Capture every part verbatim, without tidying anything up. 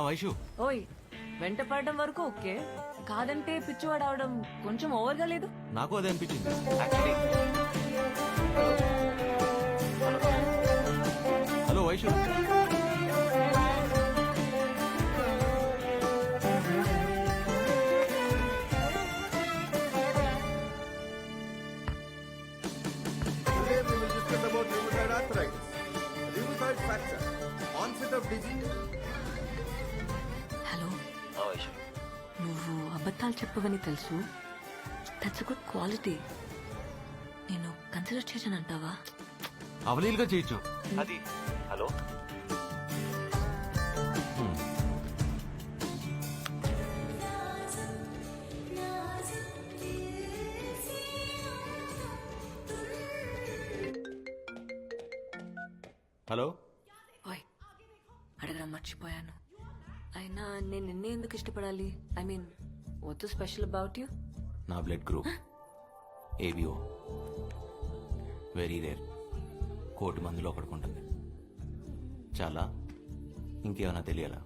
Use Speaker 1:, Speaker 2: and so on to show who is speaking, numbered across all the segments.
Speaker 1: వైషు
Speaker 2: ఓయ్ వెంట పడడం వరకు ఓకే, కాదంటే పిచ్చివాడు అవడం కొంచెం ఓవర్గా లేదు?
Speaker 1: నాకు అదే అనిపించింది actually. Hello Vaishu,
Speaker 3: Today we will discuss about rheumatoid arthritis, rheumatoid fracture, onset of disease.
Speaker 2: Hello, నువ్వు అబద్ధాలు చెప్పవని తెలుసు. That's good quality. నేను కన్సిడర్ చేశాను అంటావా?
Speaker 1: అవలీలుగా చేయొచ్చు అది. హలో హలో
Speaker 2: ఓయ్ అడగడం మర్చిపోయాను. అయినా నేను నిన్నే ఎందుకు ఇష్టపడాలి? I mean what's special about you?
Speaker 1: నా blood group ABO, very rare. కోటి మందిలో ఒకడుకుంటుంది. చాలా ఇంకేమైనా తెలియాలా?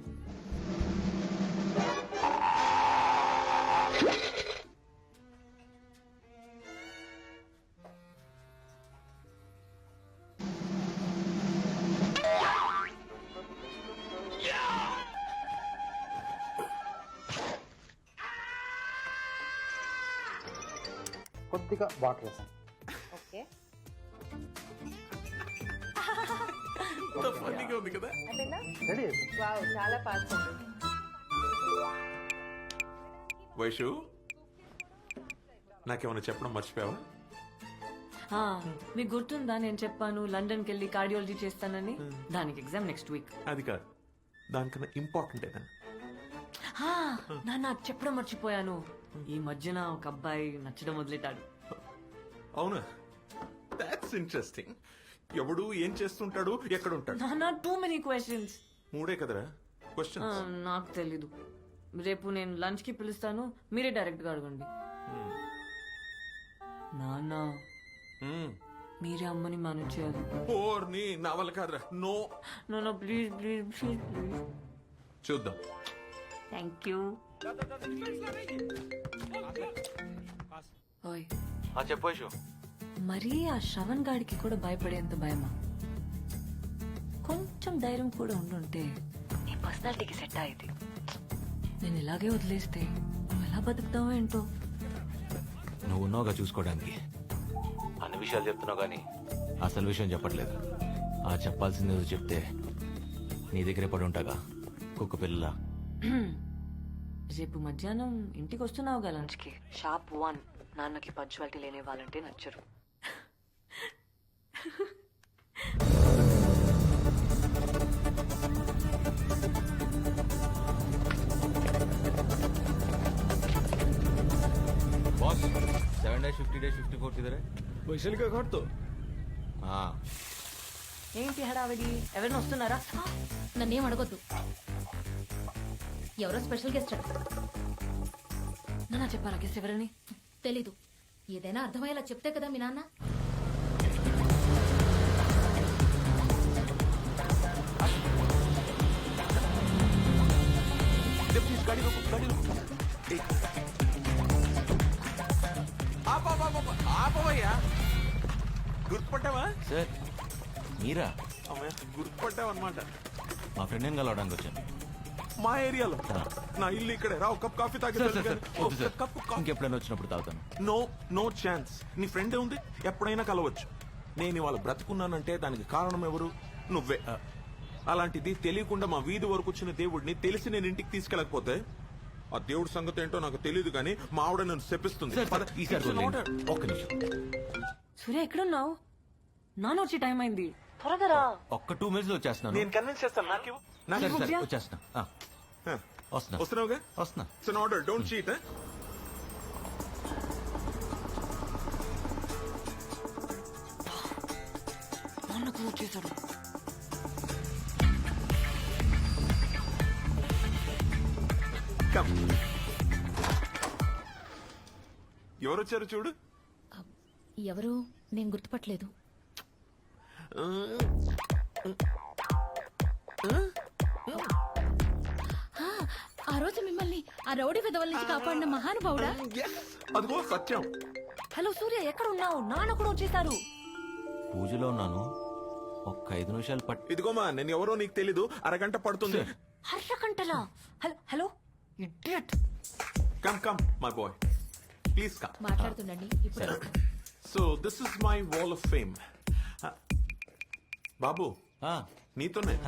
Speaker 4: కొద్దిగా వాటర్ వేసాను.
Speaker 5: ఓకే
Speaker 3: ఉంది కదా.
Speaker 5: అయిపోయిందా?
Speaker 4: రెడీ అయిపోయింది.
Speaker 5: వావ్ చాలా ఫాస్ట్ ఉంది.
Speaker 3: వైషు, నాకేమైనా చెప్పడం మర్చిపోయావా?
Speaker 2: ఆ, మీకు గుర్తుందా నేను చెప్పాను లండన్కి వెళ్ళి కార్డియాలజీ చేస్తానని? దానికి ఎగ్జామ్ నెక్స్ట్ వీక్.
Speaker 3: అది కాదు, దానికన్నా ఇంపార్టెంట్ ఏదన్నా.
Speaker 2: నాన్న చెప్పడం మర్చిపోయాను. ఈ మధ్యన ఒక అబ్బాయి నచ్చడం మొదలెట్టాడు.
Speaker 3: అవునా? That's interesting. ఎవడు ఏం చేస్తుంటాడు, ఎక్కడ ఉంటాడు?
Speaker 2: నాన్న టూ మెనీ క్వశ్చన్స్.
Speaker 3: మూడే కదరా క్వశ్చన్.
Speaker 2: నాకు తెలీదు. రేపు నేను లంచ్ కి పిలుస్తాను, మీరే డైరెక్ట్ గా అడగండి. నాన్న మీరే అమ్మని మేనేజ్ చేయాలి.
Speaker 3: ఓర్ని నా వల్ల కాదురా. నో
Speaker 2: నాన్న ప్లీజ్ ప్లీజ్ ప్లీజ్ ప్లీజ్.
Speaker 3: చూద్దాం.
Speaker 2: Thank you. ఓయ్
Speaker 1: చెప్పు వైషు.
Speaker 2: మరీ ఆ శ్రవణ్ గాడికి కూడా భయపడేంత భయమా? కొంచెం ధైర్యం కూడా ఉండుంటే నీ పర్సనాలిటీకి సెట్ అయ్యేది. నేను ఇలాగే వదిలేస్తే నువ్వు ఎలా బతుకుతావో ఏంటో.
Speaker 1: నువ్వు ఉన్నావుగా చూసుకోవడానికి. అన్ని విషయాలు చెప్తున్నావు కానీ అసలు విషయం చెప్పట్లేదు. ఆ చెప్పాల్సింది ఏదో చెప్తే నీ దగ్గరే పడి ఉంటాగా కుక్క పిల్ల.
Speaker 2: రేపు మధ్యాహ్నం ఇంటికి వస్తున్నావుగా లంచ్ కి? Shop one. నాన్నకి పంచువాలిటీ లేని వాళ్ళంటే నచ్చరు.
Speaker 1: Boss seven days fifty days fifty four किधर है?
Speaker 6: वैशाली का घर तो
Speaker 1: हाँ
Speaker 2: ఏంటి హడావిడి? ఎవరైనా వస్తున్నారా?
Speaker 7: నన్నేం అడగొద్దు. ఎవరో స్పెషల్ గెస్ట్
Speaker 2: నాన్న చెప్పారా గెస్ట్ ఎవరని?
Speaker 7: తెలీదు. ఏదైనా అర్థమయ్యేలా చెప్తే కదా మీ నాన్న.
Speaker 3: गाड़ी रोको, गाड़ी रोको. ఆపవయ్యా. గుర్తుపట్టావా?
Speaker 1: సార్ మీరా?
Speaker 3: అమ్మయ్య, గుర్తుపట్టావు అనమాట.
Speaker 1: మా ఫ్రెండ్ నేను కలవడానికి వచ్చాను.
Speaker 3: మా ఏరియాలో. నా ఇల్లు ఇక్కడే. రా, ఒక కప్ కాఫీ తాగి.
Speaker 1: సార్, సార్, సార్, వద్దు సార్. ఇంకెప్పుడైనా వచ్చినప్పుడు తాగుతాను.
Speaker 3: No no chance. నీ ఫ్రెండ్ ఉంది, ఎప్పుడైనా కలవచ్చు. నేను ఇవాళ బ్రతుకున్నానంటే దానికి కారణం ఎవరు? నువ్వే. అలాంటిది తెలియకుండా మా వీధి వరకు వచ్చిన దేవుడిని తెలిసి నేను ఇంటికి తీసుకెళ్ళకపోతే ఆ దేవుడి సంగతి ఏంటో నాకు తెలియదు కానీ మా ఆవిడ నన్ను శపిస్తుంది.
Speaker 1: సార్, సార్, ఈసారి వదిలేయండి. ఒక్క నిమిషం.
Speaker 2: సూర్య ఎక్కడున్నావు? నాన్న వచ్చి టైం అయింది, త్వరగా రా.
Speaker 1: ఒక్క టూ మినిట్స్ వచ్చేస్తున్నాను.
Speaker 3: నేను కన్విన్స్ చేస్తాను. నాకు
Speaker 1: సరే, సరే, వచ్చేస్తున్నా. ఆ, వస్తున్నా
Speaker 3: వస్తున్నావుగా?
Speaker 1: వస్తున్నా.
Speaker 3: It's an order, don't cheat.
Speaker 2: నాన్నకు వచ్చేసాడు.
Speaker 3: ఎవరొచ్చారు చూడు.
Speaker 7: ఎవరు? నేను గుర్తుపట్టలేదు. ఆ రోజు మిమ్మల్ని ఆ రౌడీ విధవల నుంచి కాపాడిన మహానుభావుడా?
Speaker 3: Yes, అదిగో సత్యం.
Speaker 2: హలో సూర్య ఎక్కడ ఉన్నావు? నాన్న కూడా వచ్చేసారు.
Speaker 1: పూజలో ఉన్నాను. ఒక్క ఐదు నిమిషాలు పట్
Speaker 3: ఇదిగోమా, నేను ఎవరో నీకు తెలీదు, అరగంట పడుతుంది.
Speaker 2: హర్ష కంటలా. Hello hello idiot.
Speaker 3: Come come my boy, please come.
Speaker 7: మాట్లాడుతుండండి ఇప్పుడు.
Speaker 3: So this is my wall of fame. బాబు,
Speaker 1: ఆ,
Speaker 3: నీతోనే.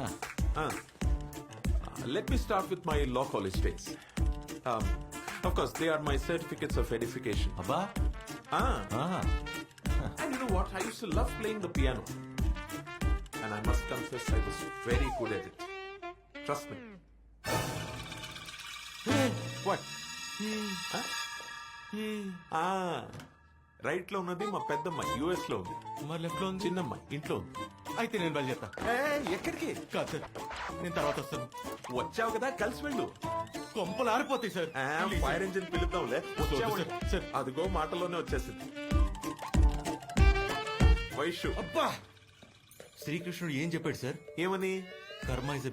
Speaker 3: Let me start with my law college days. Of course, they are my certificates of edification.
Speaker 1: అబ్బా.
Speaker 3: Ah,
Speaker 1: ఆహా.
Speaker 3: and you know what? I used to love playing the piano. And I must confess, I was very good at it. Trust me. What? Huh? Ah, right లో ఉన్నది మా పెద్దమ్మాయి, US లో ఉంది.
Speaker 1: మరి left లో ఉంది.
Speaker 3: చిన్నమ్మాయి ఇంట్లో ఉంది.
Speaker 1: అయితే నేను బయలుదేరుతా.
Speaker 3: ఏయ్, ఎక్కడికి?
Speaker 1: కాదు సార్, నేను తర్వాత వస్తాను.
Speaker 3: వచ్చావు కదా, కలిసి వెళ్ళు.
Speaker 1: కొంపలు ఆరిపోతాయి సార్.
Speaker 3: ఫైర్ ఇంజిన్ పిలుద్దాంలే. వచ్చావంటే.
Speaker 1: Sir, sir.
Speaker 3: అదిగో మాటలోనే వచ్చేసింది. వైషు,
Speaker 1: అబ్బా, శ్రీకృష్ణుడు ఏం చెప్పాడు సార్?
Speaker 3: ఏమని?
Speaker 1: కర్మ ఇస్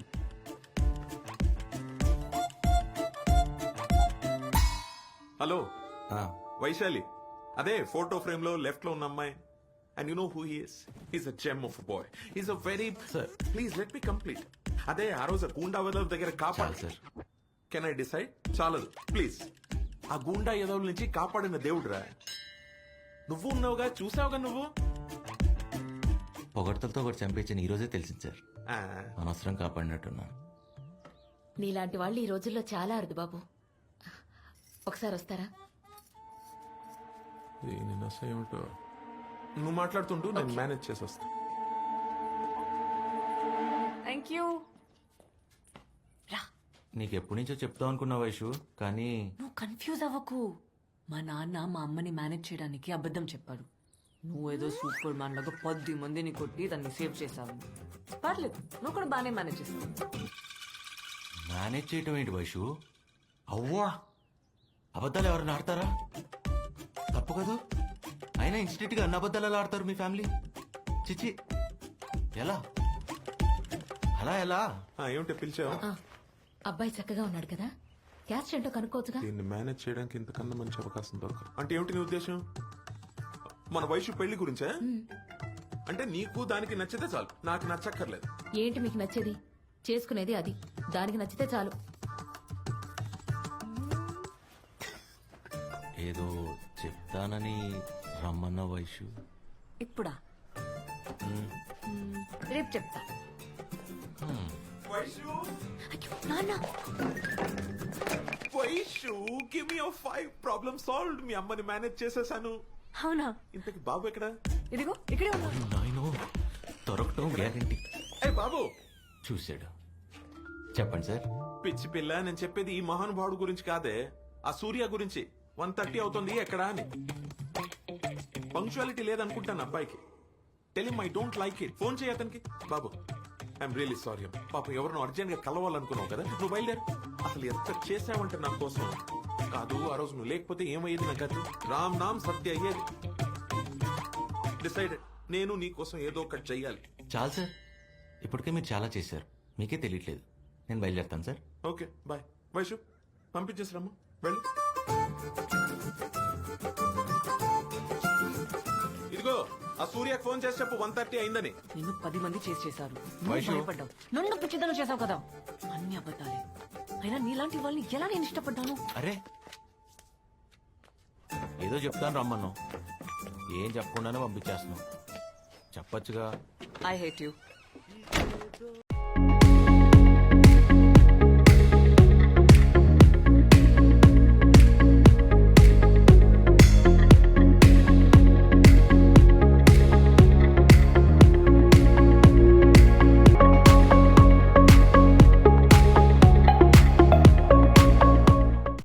Speaker 3: హలో వైశాలి, అదే ఫోటో ఫ్రేమ్ లో లెఫ్ట్ లో ఉన్న అమ్మాయి. And you know who he is? He's a gem of boy. He's a very.
Speaker 1: Sir.
Speaker 3: Please let me complete. అదే ఆ రోజు గూండా వెదవ్ దగ్గర కాపాడు.
Speaker 1: సార్.
Speaker 3: Can I decide? చాలదు ప్లీజ్. ఆ గూండా ఎదవుల నుంచి కాపాడిన దేవుడురా నువ్వు. ఉన్నావుగా, చూసావుగా నువ్వు.
Speaker 1: పొగడ్తలతో ఒకటి చంపేసిన ఈ రోజే తెలిసింది సార్.
Speaker 3: ఆ,
Speaker 1: అనవసరం కాపాడినట్టున్నాను.
Speaker 7: నీలాంటి వాళ్ళు ఈ రోజుల్లో చాలా అరుదు బాబు. ఒకసారి వస్తారా?
Speaker 3: దీని నస ఏమిటో. నువ్వు మాట్లాడుతుంటూ నేను మేనేజ్ చేసి వస్తా.
Speaker 2: Thank you. రా,
Speaker 1: నీకు ఎప్పటి నుంచో చెప్తావు అనుకున్నా వైషు, కానీ
Speaker 2: నువ్వు కన్ఫ్యూజ్ అవ్వకు. మా నాన్న మా అమ్మని మేనేజ్ చేయడానికి అబద్ధం చెప్పాడు. నువ్వేదో సూపర్ మ్యాన్ లాగా పది మందిని కొట్టి దాన్ని సేవ్ చేసావు. పర్లేదు, నువ్వు కూడా బాగానే మేనేజ్ చేస్తావు.
Speaker 1: మేనేజ్ చేయటం ఏంటి వైషు? అవ్వా, అబద్ధాలు ఎవరైనా ఆడతారా? తప్పు కదా. అయినా ఇన్స్టిట్యూట్ గా అన్న అబద్ధాలు ఎలా ఆడతారు మీ ఫ్యామిలీ? చిచి, ఎలా అలా ఎలా?
Speaker 3: ఆ, ఏమిటో పిలిచావు?
Speaker 7: ఆ, అబ్బాయి చక్కగా ఉన్నాడు కదా, క్యాస్ట్ ఏంటో కనుక్కోవచ్చుగా.
Speaker 3: దీన్ని మేనేజ్ చేయడానికి ఇంతకన్నా మంచి అవకాశం దొరకదు. అంటే ఏమిటి నీ ఉద్దేశం? మన వయసు పెళ్లి గురించా? అంటే నీకు దానికి నచ్చితే చాలు, నాకు నచ్చక్కర్లేదు.
Speaker 7: ఏంటి మీకు నచ్చేది? చేసుకునేది అది, దానికి నచ్చితే చాలు.
Speaker 1: ఏదో చెప్తానని రమ్మన్న వైషు.
Speaker 2: ఇప్పుడా? మ్మ్, రేపు చెప్తా.
Speaker 3: వైషు,
Speaker 2: అయ్యో, నాన్న.
Speaker 3: Vaishu, give me five problem solved. మీ అమ్మని మేనేజ్ చేసేసాను.
Speaker 2: అవునా?
Speaker 3: ఇంతకి బాబు ఎక్కడ?
Speaker 2: ఇదిగో ఇక్కడే ఉన్నా.
Speaker 1: నాయనో, దొరకటం గ్యారంటీ.
Speaker 3: ఏ బాబు,
Speaker 1: చూశాడు. చెప్పండి సార్.
Speaker 3: పిచ్చి పిల్ల, నేను చెప్పేది ఈ మహానుభావుడు గురించి కాదే, ఆ సూర్య గురించి. వన్ థర్టీ అవుతుంది, ఎక్కడా అని. పంక్చువాలిటీ లేదనుకుంటాను అబ్బాయికి. Tell him I don't like it. Phone చేయ అతనికి. బాబు, ఐఎమ్ రియలీ సారీ. పాపం ఎవరినో అర్జెంట్ గా కలవాలనుకున్నావు కదా, నువ్వు బయలుదేరు. అసలు ఎంత చేసావంటే నా కోసం. కాదు, ఆ రోజు నువ్వు లేకపోతే ఏమయ్యేది నా గతి? రామ్ నామ్ సత్య అయ్యేది. డిసైడెడ్, నేను నీ కోసం ఏదో ఒకటి చెయ్యాలి.
Speaker 1: చాలు సార్, ఇప్పటికే మీరు చాలా చేశారు, మీకే తెలియట్లేదు. నేను బయలుదేరుతాను సార్.
Speaker 3: Okay, bye. వైషు, పంపించేసిరమ్మా, వెళ్ళి. ఇదిగో, ఆ సూర్యకు ఫోన్ చేసి చెప్పు వన్ థర్టీ అయిందని.
Speaker 2: నిన్ను పది మంది చేసి చేశారు. నువ్వు
Speaker 1: వైషు.
Speaker 2: భయపడ్డావు. నన్ను పిచ్చిదనం చేసావు కదా. అన్ని అబద్ధాలే. అయినా నీలాంటి వాళ్ళని ఎలా నేను ఇష్టపడ్డాను?
Speaker 1: అరే, ఏదో చెప్తాను రమ్మన్నావు, ఏం చెప్పకుండానే పంపించేస్తున్నావు. చెప్పచ్చుగా.
Speaker 2: I hate you.